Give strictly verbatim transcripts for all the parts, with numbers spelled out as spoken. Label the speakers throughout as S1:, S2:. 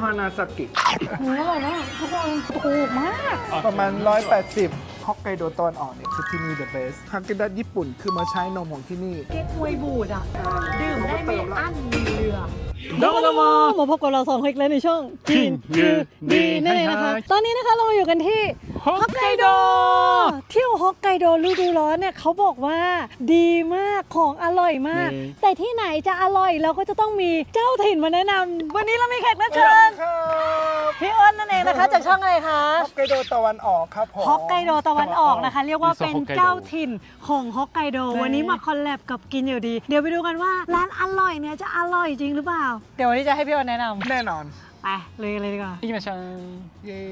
S1: ฮานาซากิ
S2: อร่อยมากทุกคนถูกมาก
S1: ประมาณหนึ่งร้อยแปดสิบฮอกไกโดตอนออกเนี่ยคือที่นี่ the best ฮากิดัสญี่ปุ่นคือมาใช้นมของที่นี่
S2: เก๊กฮวยบูดอ่ะดื่มได้ไม่อั้นมีเรือ
S3: どうもどうも
S2: มาพบกับเราสองคนอีกแล้วในช่องกินคือดีนั่นเองนะคะตอนนี้นะคะเรามาอยู่กันที่ฮอกไกโดเที่ยวฮอกไกโดฤดูร้อนเนี่ยเขาบอกว่าดีมากของอร่อยมาก แต่ที่ไหนจะอร่อยเราก็จะต้องมีเจ้าถิ่นมาแนะนำวันนี้เรามีแขกรับเชิญพี่อ้นนั่นเองนะคะจากช่องอะไรคะ
S1: ฮอกไกโดตะวันออกครับผม
S2: ฮอกไกโดตะวันออกนะคะเรียกว่าเป็นเจ้าถิ่นของฮอกไกโดวันนี้มาคอลแลบกับกินอยู่ดีเดี๋ยวไปดูกันว่าร้านอร่อยเนี่ยจะอร่อยจริงหรือเปล่าเดี๋ยววันนี้จะให้พี่อ้นแนะนำ
S1: แน่นอน
S2: ไปเลยเลยดีกว่า
S3: 行きましょう
S1: เย้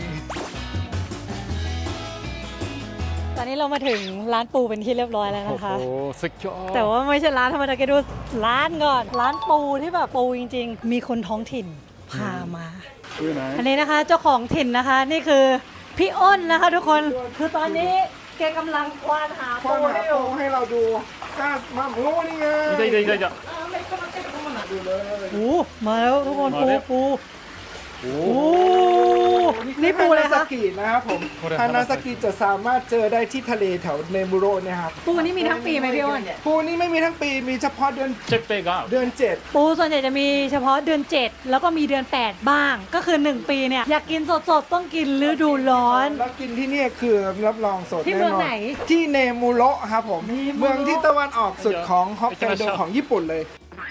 S2: ตอนนี้เรามาถึงร้านปูเป็นที่เรียบร้อยแล้วนะคะ
S3: โอ้โหสุดยอด
S2: แต่ว่าไม่ใช่ร้านธรรมดาแกดูร้านก่อนร้านปูที่แบบปูจริงๆมีคนท้องถิ่นพามาอันนี้นะคะเจ้าของถิ่นนะคะนี่คือพี่อ้นนะคะทุกคนคือตอนนี้แกกำลังควานหา
S1: ควา
S2: ปู
S1: นหา
S2: ให้อ
S1: ปู
S2: ยู่
S1: ให้เราดูกล้ามาโอ้นี่ไง
S3: いたいたいたいた
S1: ดูเลย
S2: โอ้มาแล้วทุกคนปู
S3: มาแล้ว
S2: ปูโอ้ นี่ปู
S1: ฮา
S2: เลย
S1: นา
S2: คะ
S1: ซากินะครับผมฮานาซากิจะสามารถเจอได้ที่ทะเลแถวเนมูโระเนี่ยครับ
S2: ปูนี่มีทั้งปีไหมพี่อ้น
S1: ปูนี่ไม่มีทั้งปีมีเฉพาะเดือน
S3: チェッペが
S1: เดือนเจ็ด
S2: ปูส่วนใหญ่จะมีเฉพาะเดือนเจ็ดแล้วก็มีเดือนแปดบ้าง ก็คือหนึ่งปีเนี่ยอยากกินสดๆต้องกินฤดูร้อน
S1: แล้วกินที่นี่คือรับรองสด
S2: ที่
S1: แน่
S2: เมือง
S1: นอน
S2: ไหน
S1: ที่เนมูโระครับผม
S2: เนมูโระ
S1: เมืองที่ตะวันออกสุดของฮอกไกโดของญี่ปุ่นเลย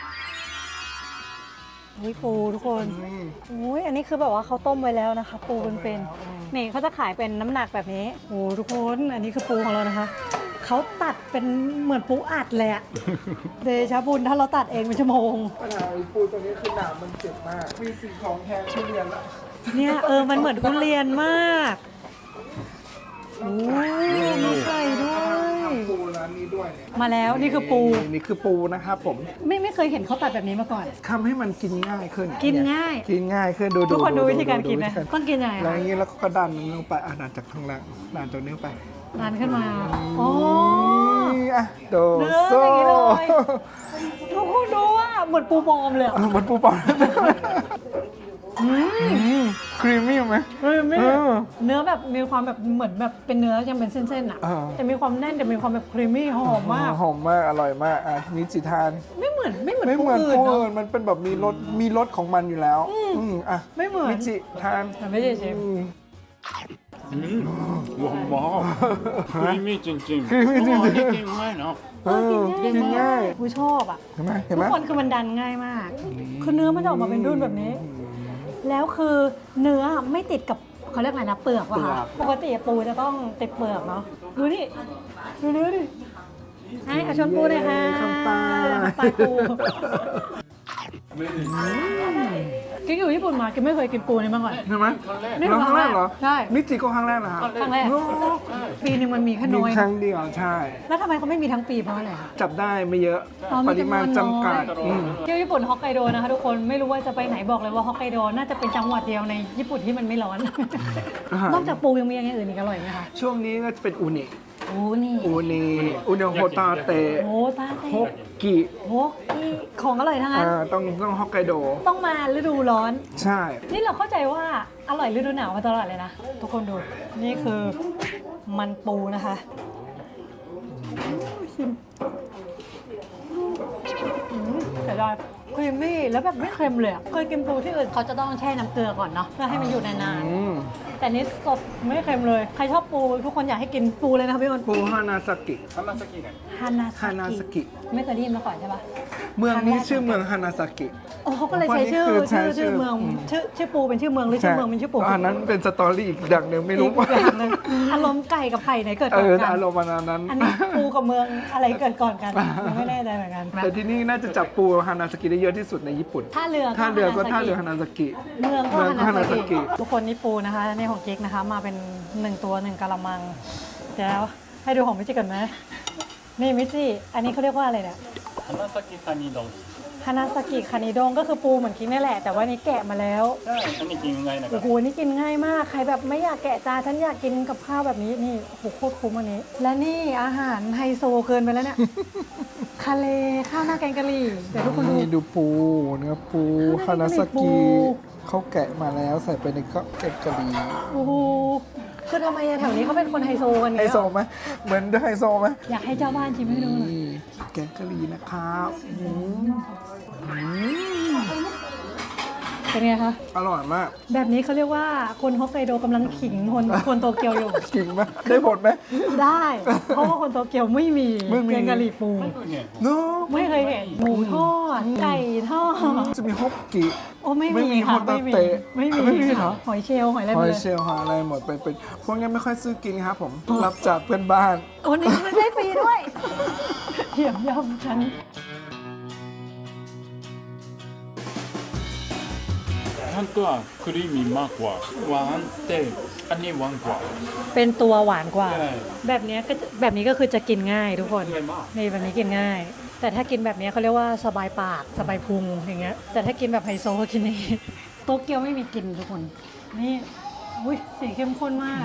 S2: เฮ้ยปูทุกคน
S1: อืม
S2: โอ้ยอันนี้คือแบบว่าเขาต้มไว้แล้วนะคะ ปูเป็นๆนี่เขาจะขายเป็นน้ำหนักแบบนี้โอ้ทุกคนอันนี้คือปูของเรานะคะเขาตัดเป็นเหมือนปูอัดเลยอะเดชะบุญถ้าเราตัดเองเป็นชั่วโมง
S1: ปัญหาไอ้ปูตัวนี้คือหนามมันเจ็บมาก มีสิ่งของแทนทุเรียนละ
S2: เนี่ยเออมันเหมือนทุเรียนมากโอ้มีไข่ด้วย
S1: ทำปูร้านนี้ด้วยเนี่ย
S2: มาแล้วนี่คือปู
S1: นี่คือปูนะครับผม
S2: ไม่ไม่เคยเห็นเขาตัดแบบนี้มาก่อน
S1: ทำให้มันกินง่ายขึ้น
S2: กินง่าย
S1: กินง่ายขึ้นดู
S2: ทุกคนดูวิธีการกิน
S1: ดู
S2: นะ
S1: วิธี
S2: ต้องกินยังไง
S1: แล้ว
S2: คะ
S1: อย่างนี้แล้วก็ดันมันลงไปอ่ะดันจากข้างล่างดันจากนิ้วไป
S2: ดันขึ้นมาโอ้
S1: นี่อ่ะโด
S2: เนื้อ
S1: โซ่
S2: อย่างนี้เลยทุกคนดูว่าเหมือนปูบอมเลยอะ
S1: เออมันปูปอนครีมมี่ไหม
S2: เฮ้ยไม่
S1: เออ
S2: เนื้อแบบมีความแบบเหมือนแบบเป็นเนื้อยังเป็นเส้นๆอ่ะ
S1: เออ
S2: แต่มีความแน่นแต่มีความแบบครีมมี่หอมมาก
S1: หอมมากอร่อยมากอ่ะมีจิทาน
S2: ไม่เหมือนไม่เหมือน
S1: ไม่
S2: ปู
S1: เหมือน
S2: อื่น
S1: ปู
S2: เนาะ
S1: อื่นมันเป็นแบบมีรสมีรสของมันอยู่แล้วอืมอ่ะ
S2: ไม่เหมือน
S1: มิจิทาน
S2: แต่ไม่ใช่เชฟ
S1: อืม
S3: うんうわうまクリーミーチンチン
S1: クリーミーチンチン
S3: おーうまいな
S1: เออกินง่าย
S2: กูชอบอ่ะ
S1: เห็นไหมเห็น
S2: ทุ
S1: ไหม
S2: กคนคือมันดันง่ายมาก คือเนื้อมันจะออกมาเป็นรุ่นแบบนี้ แล้วคือเนื้อไม่ติดกับเขาเรียกอะไรนะเปลือกว่ะคะปกติปูจะต้องติดเปลือกเนาะดูนี่ดูเนื้อดิให้เอาชนปูเลยค่ะ
S1: คำปลา
S2: คำปลาปูกิ๊กอยู่ญี่ปุ่นมากิ๊กไม่เคยกินปูนี่มาก่อน
S1: เห็นไหม
S2: นี่
S1: แล้วครั้งแรกเหรอ
S2: ใช่
S1: มิจิก็ครั้งแรกเหรอครับ
S2: ครั้งแรกปีหนึ่งมันมีแค่
S1: มี
S2: น้อย
S1: ครั้งเดียวใช่
S2: แล้วทำไมเขาไม่มีทั้งปีเพราะอะไรคะ
S1: จับได้ไม่เยอะ
S2: อ๋อ
S1: ปริมาณจำกัด
S2: จำนวนน้อย
S1: อืม
S2: เที่ยวญี่ปุ่นฮอกไกโดนะคะทุกคนไม่รู้ว่าจะไปไหนบอกเลยว่าฮอกไกโดน่าจะเป็นจังหวัดเดียวในญี่ปุ่นที่มันไม่ร้อน นอกจากปูยังมีอย่างอื่นอีกอร่อยไหมคะ
S1: ช่วงนี้ก็จะเป็นอูนิ
S2: โอ้นี่
S1: อูนิอูนิโฮตาเตะ
S2: โอ้ตาเต้
S1: ฮกกิ
S2: โอ้ที่ของอร่อยทั้งนั้น
S1: อ่าต้องต้องฮอกไกโด
S2: ต้องมาฤดูร้อน
S1: ใช่
S2: นี่เราเข้าใจว่าอร่อยฤดูหนาวมาตลอดเลยนะ ทุกคนดู นี่คือมันปูนะคะชิมอืมเสียดายครีมมี่แล้วแบบไม่เค็มเลยอะเคยกินปูที่อื่นเขาจะต้องแช่น้ำเกลือก่อนเนาะเพื่อให้มันอยู่นาน
S1: อืม
S2: ๆแต่นี่สดไม่เค็มเลย ใครชอบปูทุกคนอยากให้กินปูเลยนะคะพี่อ้น
S1: ปูฮานาซากิ
S3: 花咲が
S2: ฮานา
S1: ฮานาซากิ
S2: ไม่เคยได้ยินมาก่อนใช่ปะ
S1: เมืองนี้ชื่อเมืองฮานาซากิ
S2: โอ้เขาก็เลยใช้ชื่อ
S1: วันนี้คือใช้
S2: ชื่อ
S1: ชื่
S2: ชื่
S1: อ
S2: อเมือง
S1: อืม
S2: ชื่อชื่อปูเป็นชื่อเมืองหรือชื่อเมืองเป็นชื่อปู
S1: อันนั้นเป็นสตอรี่อีกอย่างหนึ่งไม่รู้
S2: อีกอย่างหนึ่งอารมณ์ไก่กับไข่ไหนเกิด
S1: เอ
S2: ก่อน
S1: อ
S2: กัน
S1: อารมณ์ประมาณนั้น
S2: อันนี้ปูกับเมืองอะไรเกิดก่อนกันยังไม่แน่ใจเหมือนกัน
S1: แต่ที่นี่น่าจะจับปูฮานาซากิได้เยอะที่สุดในญี่ปุ่น
S2: ท่าเรือ
S1: ท่าเรือก็ท่าเรือฮานาซากิ
S2: เมืองก็
S1: เมืองก็
S2: ฮานาซา
S1: ฮานาซากิ
S2: กิทุกคนนี่ปูนะคะนี่ของกิ๊กนะคะ มาเป็นหนึ่งตัวหนึ่งกะละมังเดี๋ยวให้ดูของมิจิก่อนไหมนี่มิจิอันนี้เขาเรียกว่าอะไรเนี่ย
S3: 花咲カニ丼
S2: ฮานาซากิคานิดงก็คือปูเหมือนกิ๊กนี่แหละแต่ว่านี่แกะมาแล้ว
S3: ใช่อันนี้กินง่ายนะครั
S2: โอ้
S3: บ
S2: โหนี่กินง่ายมากใครแบบไม่อยากแกะจานฉันอยากกินกับข้าวแบบนี้นี่โอ้โหโคตรคุ้มอันนี้ และนี่อาหารไฮโซเกินไปแล้วเนี่ย ทะเลข้าวหน้าแกงกะหรี่เดี๋ยวทุกคนดู
S1: นี่ดูปูเนื้อปูฮานาซา
S2: ปู
S1: กิเขาแกะมาแล้วใส่ไปในข้าวแกงกะหรี่
S2: โอ้โหคือทำไมอะแถวนี้เขาเป็นคนไฮโซกัน
S1: ไฮ
S2: เนี่ย
S1: โซไหมเหมือนไฮโซไหม
S2: อยากให้เจ้าบ้านชิมให้ดูหน่อย
S1: นี่แกงกะหรี่นะครับอืมอืม
S2: เป็นไงคะ
S1: อร่อยมาก
S2: แบบนี้เขาเรียกว่าคนฮอกไกโดกำลังขิงคนคนโตเกียวอยู่
S1: จริงไหมได้ผลไหม
S2: ได้ เพราะว่าคนโตเกียวไม่มี
S1: ไม่มี
S2: แกงกะหรี่ปู
S1: เนาะ
S2: ไม่เคยเห็นหมูทอด ไก่ทอด
S1: จะมีฮอกกิ
S2: โอ้ไม่
S1: ไม่มี
S2: มีค่ะ
S1: โฮตา
S2: ไม่มี
S1: เตะ
S2: ไม่มี
S1: ไม่มีเหรอ
S2: หอยเชลล์หอยอะไร
S1: ห
S2: หม
S1: อ
S2: ด
S1: ย
S2: เลย
S1: เชลล์หอยอะไรหมดไปเป็นพวกนี้ไม่ค่อยซื้อกินครับผมรับจากเพื่อนบ้าน
S2: โอ้นี่ไม่ได้ฟรีด้วยเหี่ยมยำฉัน
S3: 本当はクリーミーมากกว่าหวานแต่อันนี้หวานกว่า
S2: เป็นตัวหวานกว่า
S3: ใช่
S2: แบบเนี้ยก็จะแบบนี้ก็คือจะกินง่ายทุกคน
S3: ง่ายมาก
S2: นี่แบบนี้กินง่าย แต่ถ้ากินแบบเนี้ยเขาเรียกว่าสบายปากสบายพุงอย่างเงี้ย แต่ถ้ากินแบบไฮโซก็กินนี้โตเกียวไม่มีกินทุกคน นี่อุ้ยสีเข้มข้นมาก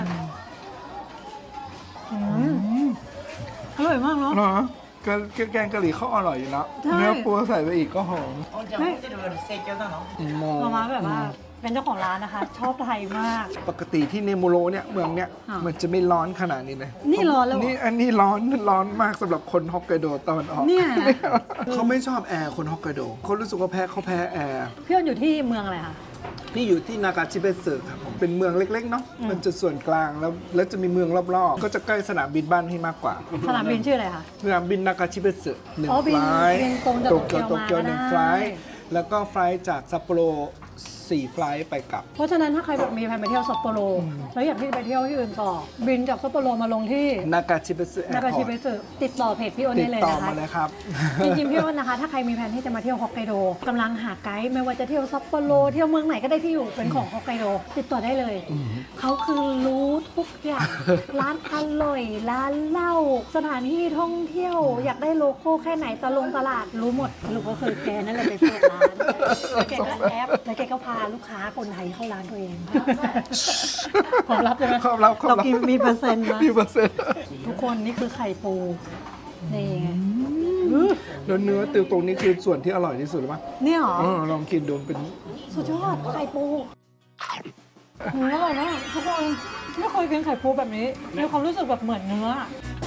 S2: อืมอร่อยมากเนาะ
S1: เหรอแกงแกงกะหรี่เขาอร่อยอยู่แล้ว
S2: ใช่
S1: เนื้อปูใส่ไปอีกก็หอม
S4: じゃあ、ホテルより盛況なの？
S1: ม
S2: มาม่าแบบว่าเป็นเจ้าของร้านนะคะ ชอบไทยมาก
S1: ปกติที่เนมูโรเนี่ยเมืองเนี่ย
S2: อ่ะ
S1: มันจะไม่ร้อนขนาดนี้เลย
S2: นี่ร้อนแล้วเหรอ
S1: นี่อันนี้ร้อนร้อนมากสำหรับคนฮอกไกโดตะวันออก
S2: เนี่ยนะ
S1: เขาไม่ชอบแอร์คนฮอกไกโดเขารู้สึกว่าแพ้เขาแพ้แอร์
S2: พี่อ้นอยู่ที่เมืองอะไรคะ
S1: พี่อยู่ที่นากาชิเบสึครับผมเป็นเมืองเล็กๆเนาะ
S2: อืม
S1: มันจะส่วนกลางแล้วแล้วจะมีเมืองรอบๆ ก็จะใกล้สนามบินบ้านพี่มากกว่า
S2: สนามบินชื่ออะไรคะ
S1: สนามบินนากาชิเบสึหนึ่ง
S2: อ๋อบิ
S1: ไฟ
S2: น
S1: ล์
S2: บินตรงจาก
S1: โตเกียว
S2: โต
S1: โต
S2: เกี
S1: เกี
S2: ย
S1: ยว ว
S2: มา
S1: หนึ่ง
S2: ก็ได้
S1: ไฟล์แล้วก็ไฟล์จากซัปโปโรสี่ไฟล์ไปกลับ
S2: เพราะฉะนั้นถ้าใครแบบมีแผนไปเที่ยวซัปโปโรแล้วอยากที่จะไปเที่ยวที่อื่นต่อ บินจากซัปโปโรมาลงที่
S1: นากาชิเบสึแอ
S2: นา
S1: ร์
S2: กา
S1: พอ
S2: ชิ
S1: ร์
S2: เบ
S1: ต
S2: สึติดต่อเพจพี่อ้น
S1: ติ
S2: ได้
S1: ด
S2: เลย
S1: ต่อ
S2: นะคะ
S1: มาเลยครับ
S2: จริงๆพี่อ้นนะคะ ถ้าใครมีแผนที่จะมาเที่ยวฮอกไกโดกำลังหาไกด์ไม่ว่าจะเที่ยวซัปโปโรเที่ยวเมืองไหนก็ได้ที่อยู่เป็นของฮอกไกโดติดต่อได้เลย เขาคือรู้ทุกอย่าง ร้านอร่อย ร้านเหล้าสถานที่ท่องเที่ยว อยากได้โลโก้แค่ไหนตะลงตลาดรู้หมดสรุปก็คือแกนั่นแหละไปเปิดร้านแล้วแกก็แอปแล้วแกก็พาลูกค้าคนไทยเข้าร้านตัวเองความลับใช่ไหม
S1: ความลับความลับ
S2: เรากินมีเปอร์เซ็นต์นะ
S1: มีเปอร์เซ็นต์
S2: ทุกคนนี่คือไข่ปูนี่ไง
S1: แล้วเนื้อติวตรงนี้คือส่วนที่อร่อยที่สุดหรือเปล่า
S2: เนี่ยเหรอ
S1: เออลองกินดูเป็น
S2: สุดยอดไข่ปูหืมอร่อยมากทุกคนไม่เคยกินไข่ปูแบบนี้มีความรู้สึกแบบเหมือนเนื้อ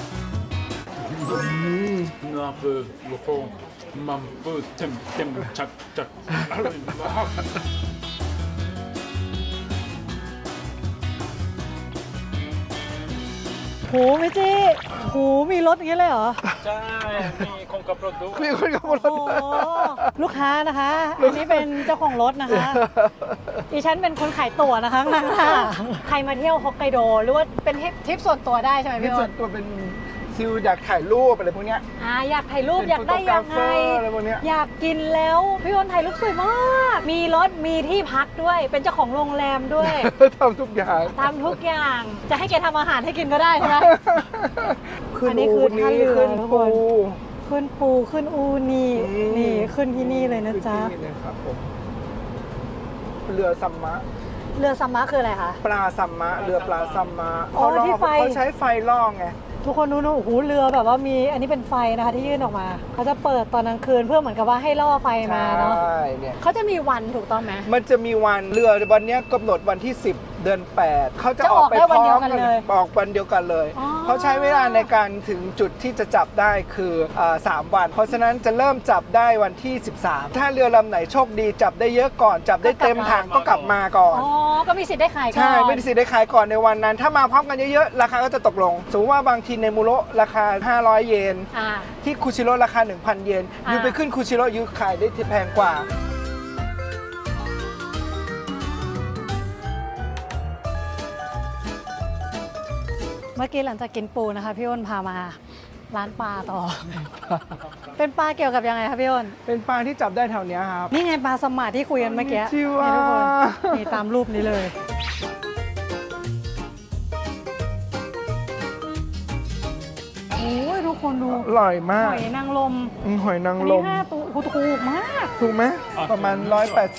S3: เนื้อปูลูกโป่งมันปูเต็มเต็มจัดจัดอร่อยมาก
S2: โหไม่จีโหมีรถอย่างนี้เลยเหรอ
S3: ใช่มีคนกับรถด้วย
S1: มีคนขับรถ
S2: โอ้ลูกค้านะคะ อันนี้เป็นเจ้าของรถนะคะดิฉันเป็นคนขายตั๋วนะคะข้างหน้าใครมาเที่ยวฮอกไกโดหรือว่าเป็นทริปส่วนตัวได้ใช่ไหม
S1: นี่
S2: พี่
S1: ส่
S2: อ้
S1: วน นตัวเป็นซิลอยากถ่ายรูปอะไรพวกเนี้ย
S2: อ่าอยากถ่ายรูป
S1: เป็น
S2: อยากได้ยังไง
S1: โฟโตกราฟเฟอร์อะไรพวกเนี้ย
S2: อยากกินแล้วพี่อ้นถ่ายรูปสวยมาก มีรถมีที่พักด้วย เป็นเจ้าของโรงแรมด้วย
S1: ทำทุกอย่าง
S2: ทำทุกอย่าง จะให้แกทำอาหารให้กินก็ได้ใช่ไหม
S1: ขึ้น
S2: อันนี้
S1: อู
S2: คือท่า
S1: นี่
S2: เรือ
S1: ขึ้น
S2: ทุกค
S1: ปู
S2: น ขึ้นปูขึ้นอูนี่
S1: อืม
S2: นี่ขึ้นที่นี่เลยนะจ๊ะ
S1: ขึ้ที่นี่เลยครับผมเรือซัมมะ
S2: เรือซัมมะคืออะไรคะ
S1: ปลาซัมมะ เรือปลาซัมมะ
S2: อ๋อ
S1: เขาล่
S2: ที่ไฟ
S1: เขาใช้ไฟล่อไง
S2: ทุกคนดูนะโอ้โหเรือแบบว่ามีอันนี้เป็นไฟนะคะที่ยื่นออกมา เขาจะเปิดตอนกลางคืนเพื่อเหมือนกับว่าให้ล่อไฟมาเนาะ
S1: ใช่เนี่ย
S2: เขาจะมีวันถูกต้องไหม
S1: มันจะมีวันเรือวันเนี้ยกำหนดวันที่ สิบ เดือน แปด เขาจะ
S2: จะ
S1: อ
S2: อ
S1: อ
S2: อก ก
S1: ไป
S2: ได้
S1: พ
S2: วัน
S1: ร้
S2: เดี
S1: อ
S2: ยว
S1: ม
S2: กัน
S1: กัน
S2: เลย
S1: ออกวันเดียวกันเลย
S2: อ๋อ
S1: เขาใช้เวลาในการถึงจุดที่จะจับได้คืออ่าสามวัน เพราะฉะนั้นจะเริ่มจับได้วันที่ สิบสาม ถ้าเรือลำไหนโชคดีจับได้เยอะก่อน จับได้เต็มถังก็กลับมาก่อน
S2: อ๋อ ก็มีสิทธิ์ได้ขายก่อน
S1: ใช่ ไม่ได้สิทธิ์ได้ขายก่อนในวันนั้น ถ้ามาพร้อมกันเยอะๆ ราคาก็จะตกลง สมมติว่าบางทีในมูโระราคา ห้าร้อยเยน
S2: อ่า
S1: ที่คูชิโร่ราคา หนึ่งพัน เยน
S2: อ่า
S1: ยูไปขึ้นคูชิโร่ยูขายได้ที่แพงกว่า
S2: เมื่อกี้หลังจากกินปูนะคะพี่อ้นพามาร้านปลาต่อ เป็นปลาเกี่ยวกับยังไงคะพี่อ้น
S1: เป็นปลาที่จับได้แถวเนี้ยครับ
S2: นี่ไงปลาสมาร์ทที่คุยกันเมื่อกี้
S1: ชิวะ
S2: นี่ทุกคนนี่ตามรูปนี้เลย โอ้ยทุกคนดู
S1: อร่อยมา
S2: ห
S1: ก
S2: อยนางรม
S1: อืมหอยนาง
S2: อัน
S1: ร
S2: นี้
S1: ม
S2: ห้าตัวโอ้โหถูกมาก
S1: ถูกไหม ประมาณ ร้อยแปดสิบ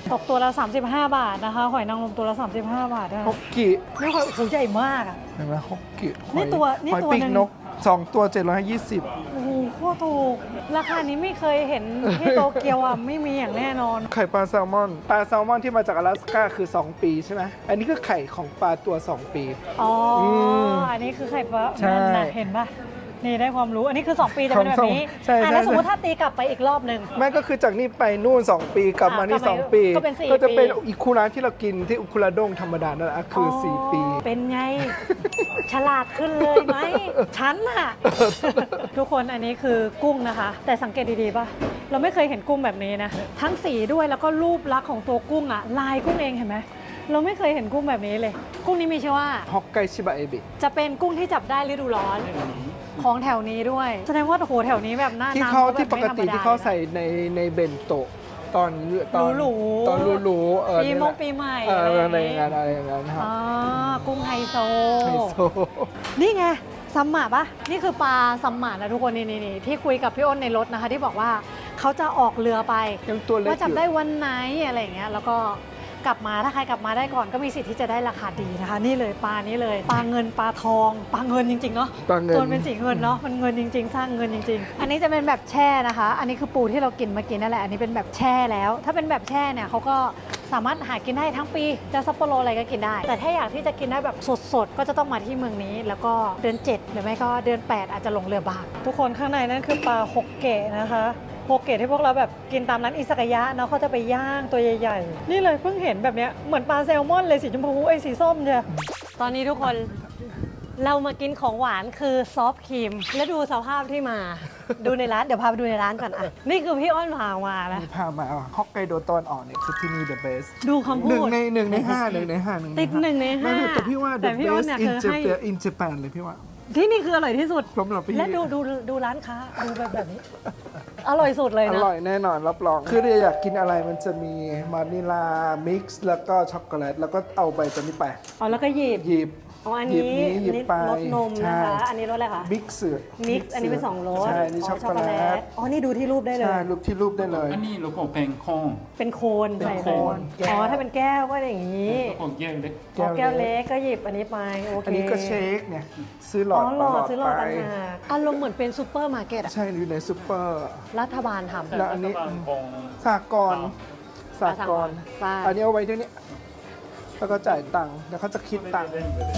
S2: ตกตัวละสามสิบห้าบาทนะคะหอยนางรมตัวละสามสิบห้าบาทนะคะ
S1: ฮอกกิ
S2: นี่หอยโอ้โหใหญ่มากอ่ะ
S1: เห็นไหมฮอกกิ
S2: นี่ตัวนี่
S1: หอย
S2: ตัว
S1: ปีก
S2: หนึ่ง
S1: นกสองตัวเจ็ดร้อยยี่สิบ
S2: โอ้โหโคตรถูกราคานี้ไม่เคยเห็นที่โตเกียวอ่ะไม่มีอย่างแน่นอน
S1: ไข่ปลาแซลมอนปลาแซลมอนที่มาจาก阿拉斯ก้าคือสองปีใช่ไหมอันนี้คือไข่ของปลาตัวสองปี
S2: อ๋ออ
S1: ม
S2: อันนี้คือไข่ปลา
S1: ใช่
S2: นั่นนะเห็นปะนี่ได้ความรู้อันนี้คือสองปีจะเป็นแบบนี้
S1: ใช่ใช่
S2: อ่ะแล้ว
S1: ใช่
S2: สมมติถ้าตีกลับไปอีกรอบหนึ่ง
S1: แม่ก็คือจากนี่ไปนู่นสองปีกลับมานี่
S2: อ่ะกลับมา
S1: สองปี
S2: ก็เป็นสี่
S1: ก็จะเป็น
S2: ปี
S1: อิคุระที่เรากินที่อุคุระด้งธรรมดานั่นแหละคืออสี่ปี
S2: เป็นไง ฉลาดขึ้นเลยไหม ฉันน่ะ ทุกคนอันนี้คือกุ้งนะคะ แต่สังเกตดีๆป่ะ เราไม่เคยเห็นกุ้งแบบนี้นะ ทั้งสีด้วยแล้วก็รูปลักษณ์ของตัวกุ้งอ่ะ ลายกุ้งเองเห็นไหม เราไม่เคยเห็นกุ้งแบบนี้เลย กุ้งนี้มีชื่อว่า
S1: ฮอกไกชิบะเอบิ
S2: จะเป็นกุ้งที่จับได้ฤดูร้อน ของแถวนี้ด้วย แสดงว่าโอ้โหแถวนี้แบบหน้า
S1: ที่
S2: น้ำ
S1: เขา
S2: แบบ
S1: ที่ป
S2: ไม่
S1: ก
S2: ธรรม
S1: ติ
S2: ด
S1: ที่เขา
S2: ลยนะ
S1: ใส่ในในเบนโตะตอนตอน
S2: หรูๆ
S1: ตอนรูๆเออ
S2: ปี
S1: นี่
S2: ม
S1: แห
S2: ง
S1: ละ
S2: ปีใหม่
S1: เอออะไร
S2: อ
S1: อย่าง
S2: เงี้
S1: เงี้ยอะไรอย่างเงี้ยครับ
S2: อ๋อกุ้งไฮโซ
S1: ไฮโซ
S2: นี่ไงซัมมาปะนี่คือปลาซัมมานะทุกคนนี่นี่นี่ที่คุยกับพี่อ้นในรถนะคะ ที่บอกว่าเขาจะออกเรือไป
S1: ยังตัวเล็ก
S2: ว่าจับ
S1: อยู่
S2: ได้วันไหนอะไรอย่างเงี้ยแล้วก็กลับมาถ้าใครกลับมาได้ก่อนก็มีสิทธิ์ที่จะได้ราคาดีนะคะ นี่เลยปลานี้เลยปลาเงินปลาทองปลาเงินจริงๆเนาะ
S1: ปลาเงิน
S2: ตัวเป็นสีเงินเนาะมันเงินจริง ๆ สร้างเงินจริง ๆ อันนี้จะเป็นแบบแช่นะคะ อันนี้คือปูที่เรากินเมื่อกี้นั่นแหละอันนี้เป็นแบบแช่แล้ว ถ้าเป็นแบบแช่เนี่ยเขาก็สามารถหากินได้ทั้งปีจะซัปโปโรอะไรก็กินได้ แต่ถ้าอยากที่จะกินได้แบบสดๆก็จะต้องมาที่เมืองนี้ แล้วก็เดือนเจ็ดหรือไม่ก็เดือนแปดอาจจะลงเรือบางทุกคนข้างในนั่นคือปลาฮกเกะนะคะฮกเกะที่พวกเราแบบกินตามร้านอิซากายะเนาะเขาจะไปย่างตัวใหญ่ๆนี่เลยเพิ่งเห็นแบบเนี้ยเหมือนปลาแซลมอนเลยสีชมพูไอ้ยสีส้มเนี่ยตอนนี้ทุกคนเรามากินของหวานคือซอฟต์ครีมแล้วดูสภาพที่มา ดูในร้านเดี๋ยวพาไปดูในร้านก่อนอ่ะนี่คือพี่อ้อนพามานะ
S1: พามาฮอกไกโดตอนอ่อนเนี่ยคือที่นี่ the best
S2: ดูคำ
S1: หนึ่
S2: พู
S1: ง
S2: ด
S1: ในหนึ่งในห้าหนึ่งในห้าหนึ่ง
S2: ติดหนึ่งในห้า
S1: ไม่แต่พี่ว่า
S2: แต่
S1: the
S2: พี่อ้น
S1: best
S2: เนี่ย
S1: in
S2: คือให้
S1: Japan in Japan เลยพี่ว่า
S2: ที่นี่คืออร่อยที่สุด
S1: สำหรับพี่
S2: และดูดูดูร้านค้าดูแบบแบบนี้ อร่อยสุดเลย
S1: อ
S2: นะ
S1: ร่อยแน่นอนรับรอง คือเราอยากกินอะไรมันจะมีมานิลามิกซ์แล้วก็ช็อกโกแลตแล้วก็เอาใบตัวนี้ไป
S2: อ๋อแล้วก็หยิบ
S1: หยิบ
S2: อ๋ออัน
S1: หยิบ
S2: นี้
S1: นี้หยิบ
S2: นี่
S1: ไป
S2: รสนมนะคะ อันนี้รสอะไรคะ
S1: มิกซ์
S2: มิกซ์อันนี้เป็นสองรส
S1: ใช่นี่ช็อกโกแลต
S2: อ๋อนี่ดูที่รูปได้เลย
S1: ใช่รูปที่รูปได้เลย
S3: อันนี้เราก็เป็นข้อง
S2: เป็นโคน
S1: เป็น
S2: ใส่
S1: โคน
S2: ไปอ๋อถ้าเป็นแก้วก็อย่างนี้
S3: แล้วก็แยกเล็ก
S2: อ๋อแก้วเล็กก็หยิบอันนี้ไปโอเค
S1: อันนี้ก็เชคเนี่ยซื้อหลอ
S2: อ๋
S1: ด
S2: อหลอด
S1: หลอด
S2: ซื้อหลอด
S1: ไป
S2: ต่างหากอารมณ์เหมือนเป็นซูเปอร์มาร์เก็ตอะ
S1: ใช่อยู่ในซูเปอร์
S2: รัฐบาลทำ
S1: แล้วอันนี้
S3: รัฐบาลของ
S1: สากรณ์สากรณ์
S2: ใช่
S1: อันนี้เอาไว้ที่นี้แล้วก็จ่ายตังค์แล้วเขาจะคิดตังค์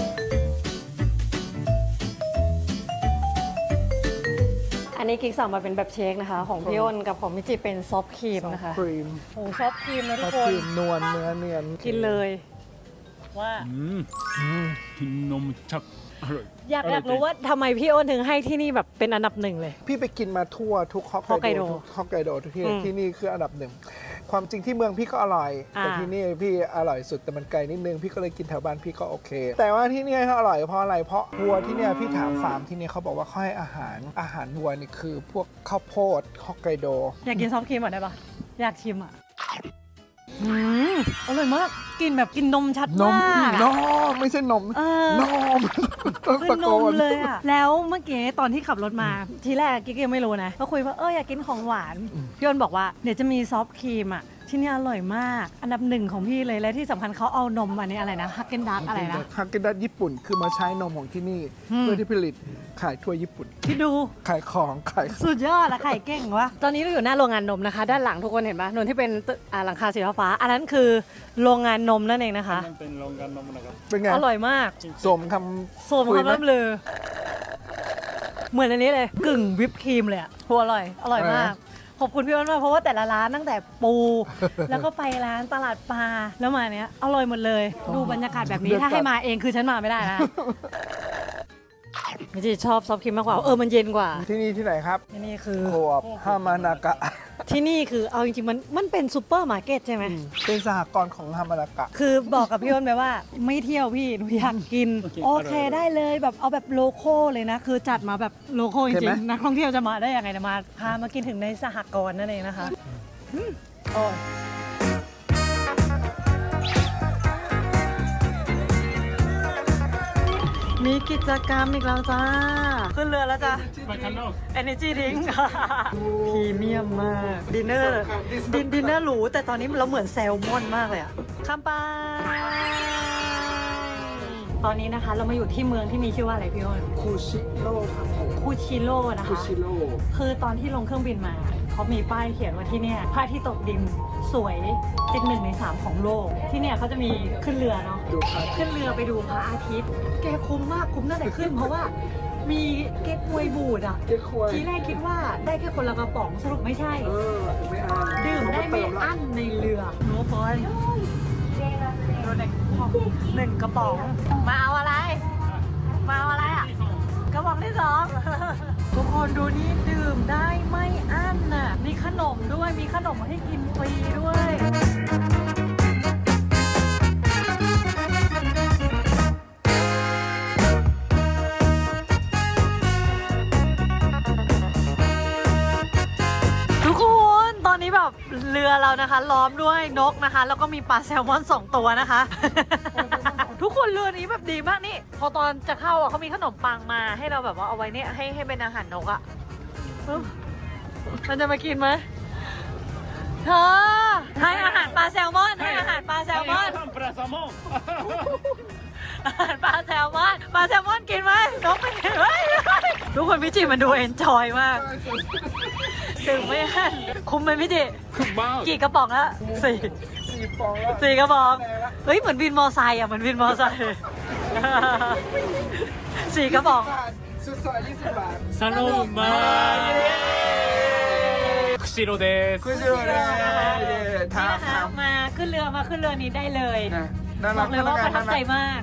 S2: อันนี้กิ๊กสั่งมาเป็นแบบเชคนะคะ ของพี่อ้นกับของมิจิเป็นซอฟต์ครีมนะคะ
S1: ครีม
S2: โอ้ซอฟต์ครีมนะ
S1: ซ
S2: ทุ
S1: อก ฟ
S2: ค
S1: ต์คน รีมนวลเนื้อเนียน
S2: กินเลยว่า
S3: อืม
S1: อืม
S3: กินนมชักอร่อย
S2: อยากอยากรู้ว่าทำไมพี่อ้นถึงให้ที่นี่แบบเป็นอันดับหนึ่งเลย
S1: พี่ไปกินมาทั่วทุกฮอก
S2: ฮอก
S1: ไก
S2: ไก
S1: โด
S2: โด
S1: ทุกฮอกไกโดทุกที่
S2: อืม
S1: ที่นี่คืออันดับหนึ่งความจริงที่เมืองพี่ก็อร่อย
S2: อ่า
S1: แต่ที่นี่พี่อร่อยสุดแต่มันไกลนิดนึงพี่ก็เลยกินแถวบ้านพี่ก็โอเค แต่ว่าที่นี่เขาอร่อยเพราะอะไรเพราะวัวที่เนี่ยพี่ถามฟาร์มที่เนี่ยเขาบอกว่าเขาให้อาหารอาหารวัวนี่คือพวกข้าวโพดฮอกไกโด
S2: อยากกินซอฟต์ครีมก่อนได้ปะอยากชิมอ่ะอืมอร่อยมากกินแบบกินนมชัด
S1: นม
S2: มาก
S1: น
S2: อะ
S1: มไม่ใช่นม
S2: เออ
S1: นมต้อง
S2: คื
S1: ตะ
S2: อน
S1: โก
S2: ม
S1: น
S2: เลยอ่ะ แล้วเมื่อกี้ตอนที่ขับรถมา ทีแรกกิ๊กยังไม่รู้นะ ก็คุยว่าเอออยากกินของหวานพี่อ้นบอกว่าเดี๋ยวจะมีซอฟต์ครีมอ่ะ ที่นี่อร่อยมาก อันดับหนึ่งของพี่เลย และที่สำคัญเขาเอานมอันนี้อะไรนะฮักเกนดักอะไรนะ
S1: ฮากเกนดัตญี่ปุ่นคือมาใช้นมของที่นี่
S2: อืม
S1: เพื่อที่ผลิตขายทั่วญี่ปุ่น
S2: คิดดู
S1: ขายของขาย
S2: สุดยอดอะไข่เก่งวะ ตอนนี้เราอยู่หน้าโรงงานนมนะคะ ด้านหลังทุกคนเห็นปะนนที่เป็นตึกอ่าหลังคาสีฟ้าๆอันนั้นคือโรงงานนมนั่นเองนะคะ
S3: มันเป็นโรงงานนมนะครับ
S1: เป็นไง
S2: อร่อยมาก
S1: สมค
S2: สม
S1: คุย
S2: คำ
S1: ไหม
S2: ล่ำลือ เหมือนอันนี้เลย กึ่งวิปครีมเลยอะโหอร่อย อร่อยมาก ขอบคุณพี่อ้นมากเพราะว่าแต่ละร้านตั้งแต่ปู แล้วก็ไปร้านตลาดปลาแล้วมาเนี้ยอร่อยหมดเลย ดูบรรยากาศแบบนี้ถ้าให้มาเองคือฉันมาไม่ได้นะมิจิชอบซอฟต์ครีมมากกว่าเออมันเย็นกว่า
S1: ที่นี่ที่ไหนครับ
S2: ที่นี่คือ
S1: โคออปฮามานากะ
S2: ที่นี่คือเอาจริงๆมันมันเป็นซูเปอร์มาร์เก็ตใช่ไหม
S1: เป็นสหกรณ์ของฮามานากะ
S2: คือบอกกับพี่อ้นไปว่าไม่เที่ยวพี่หนูอยากกิน
S3: โอเค
S2: โอเคได้เลยแบบเอาแบบโลโก้เลยนะ คือจัดมาแบบโลโก้จ
S1: เห็น
S2: ริ
S1: ไหม
S2: งๆนักท่องเที่ยวจะมาได้ยังไงเนยมาพามากินถึงในสหกรณ์นั่นเองนะคะอืมโอ้ยนมีกิจกรรมอีกแล้วจ้า ขึ้นเรือแล้วจ้า
S3: ไปข้างนอก
S2: Energy Drink พรีเมียมมาก ดินเนอร์ดินดินเนอร์หรูแต่ตอนนี้เราเหมือนแซลมอนมากเลยอะข้ามไป ตอนนี้นะคะเรามาอยู่ที่เมืองที่มีชื่อว่าอะไรพี่อ้น
S1: คูชิโร่ครับผม
S2: คูชิโร่นะ
S1: คู
S2: คะ
S1: ชิโร่
S2: คือตอนที่ลงเครื่องบินมาเขามีป้ายเขียนว่าที่เนี่ยพระอาทิตย์ตกดินสวยติดหนึ่งในสามของโลก ที่เนี่ยเขาจะมีขึ้นเรือเนาะ
S1: ดูครับ
S2: ขึ้นเรือไปดูพระอาทิตย์ แกคุ้มมากคุ้มตั้งแต่ขึ้น เพราะว่ามีเก๊กฮวยบูดอ่ะ
S1: เก๊กฮวย
S2: ทีแรกคิดว่าได้แค่คนละกระป๋องสรุปไม่ใช่
S1: เออไม่อ่าน
S2: ดื่มได้ไม่อั้นในเรือโน้บอยดูหนึ่งหนึ่งกระป๋อง มาเอาอะไร มาเอาอะไรอ่ะ กระป๋องที่สอง ทุกคนดูนี่ดื่มได้ไม่อั้นน่ะ มีขนมด้วย มีขนมให้กินฟรีด้วย ทุกคนตอนนี้แบบเรือเรานะคะ ล้อมด้วยนกนะคะ แล้วก็มีปลาแซลมอนสองตัวนะคะ ทุกคนเรือนี้แบบดีมากนี่ พอตอนจะเข้าอ่ะเขามีขนมปังมาให้เราแบบว่าเอาไว้เนี่ยให้ให้เป็นอาหารนกอ่ะเอ้ามันจะมากินไหมเธอให้อาหารปลาแซลมอนให้อาหารปลาแซลมอน
S3: ปลาแซลมอน
S2: อาหารปลาแซลมอนปลาแซลมอนกินไหมนกไม่กินเฮ้ยทุกคนพี่จิมันดูเอนจอยมากถึงไม่หันคุ้มไหมพี่จิ
S3: คือบ้า
S2: กี่กระป๋องแล้วสี่
S1: สี่ฟองแล้ว
S2: สี่กระป๋องเฮ้ยเหมือนวินมอไซค์อ่ะเหมือนวินมอไซค์สี่กระป๋อง
S1: สุดซอยยี่สิบบาท
S3: サロンマー釧路です
S1: คุชิโร่เลย
S2: นี่
S1: ทาง
S2: นะคะ
S1: ทาง
S2: มาขึ้นเรือมาขึ้นเรือนี้ได้เลย
S1: นะน่า
S2: บ
S1: รั
S2: อก กเลยว่าประทับใจ
S1: น่ารัก
S2: มาก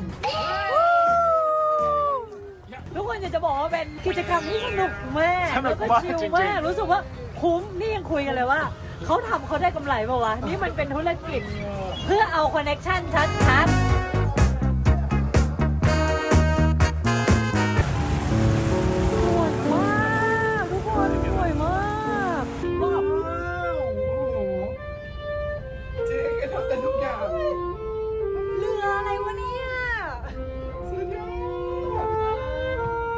S2: ทุกคนอยากจะบอกว่าเป็นกิจกรรมที่สนุกมากแล้วก็ชิลมากรู้สึกว่าคุ้มนี่ยังคุยกันเลยว่าเขาทำเขาได้กำไรเปล่าวะนี่มันเป็นธุรกิจเพื่อเอาคอนเนคชั่นชัดๆสวยมากทุกคนสวยมาก
S1: ว้าวโอ้โหเจ๊แกทำแต่ทุกอย่าง
S2: เรืออะไรวะเนี่ย
S1: สุดยอด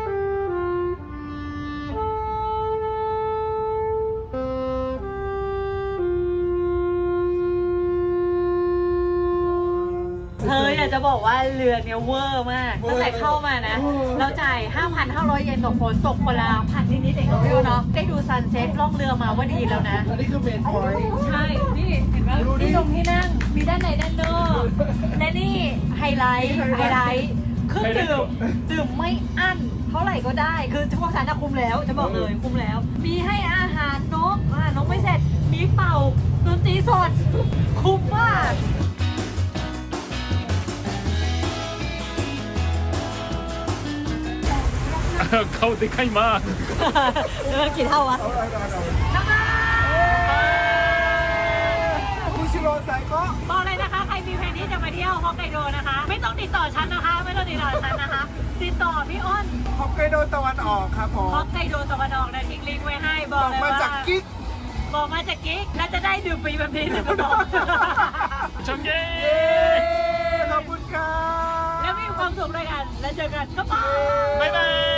S2: เธออยากจะบอกว่าเรือเนี่ยเวอร์มากตั้งแต่เข้ามานะ เราจ่าย ห้าพันห้าร้อย เยนต่อคนตกคนละพันนิดๆเองเราไม่รู้เนาะได้ดูซันเซ็ตล่องเรือมาว่าดีแล้วนะ
S1: อันนี้คือเมนพอยต์
S2: ใช่ นี่เห็นไหม
S1: ดูดิ
S2: ที่ตรงที่นั่ง มีด้านในด้านนอกและนี่ไฮไลท์ไฮไลท์เครื่องดื่มดื่มไม่อั้นเท่าไหร่ก็ได้ คือพวกฉันจะคุมแล้ว จะบอกเลยคุมแล้ว มีให้อาหารนกอ่านกไม่เสร็จ มีเป่าดนตรีสด คุ้มมาก
S3: 顔でかいมาก
S2: เรือกี่เท่าวะ
S1: เอาเอาเอาเอา
S2: น้ำมัน
S1: คุชิโร่ใส่ก็
S2: บอกเลยนะคะ ใครมีแผนที่จะมาเที่ยวฮอกไกโดนะคะ ไม่ต้องติดต่อฉันนะคะ ไม่ต้องติดต่อฉันนะคะ ติดต่อพี่อ้น
S1: ฮอกไกโดตะวันออกครับผม
S2: ฮอกไกโดตะวันออกนะทิ้งลิงก์ไว้ให้บบ อ
S1: อก ก
S2: เลย
S1: มา
S2: ว่า
S1: จากกิ๊ก
S2: บอกมาจากกิ๊กแล้วจะได้ดื่มฟรีแบบนี้เลยก็บอก
S3: チョンゲ
S1: เย้ขอบคุณครับ
S2: แล้วมีความสุขด้วยกัน แล้วเจอกันก็ไป
S3: ーバイバイ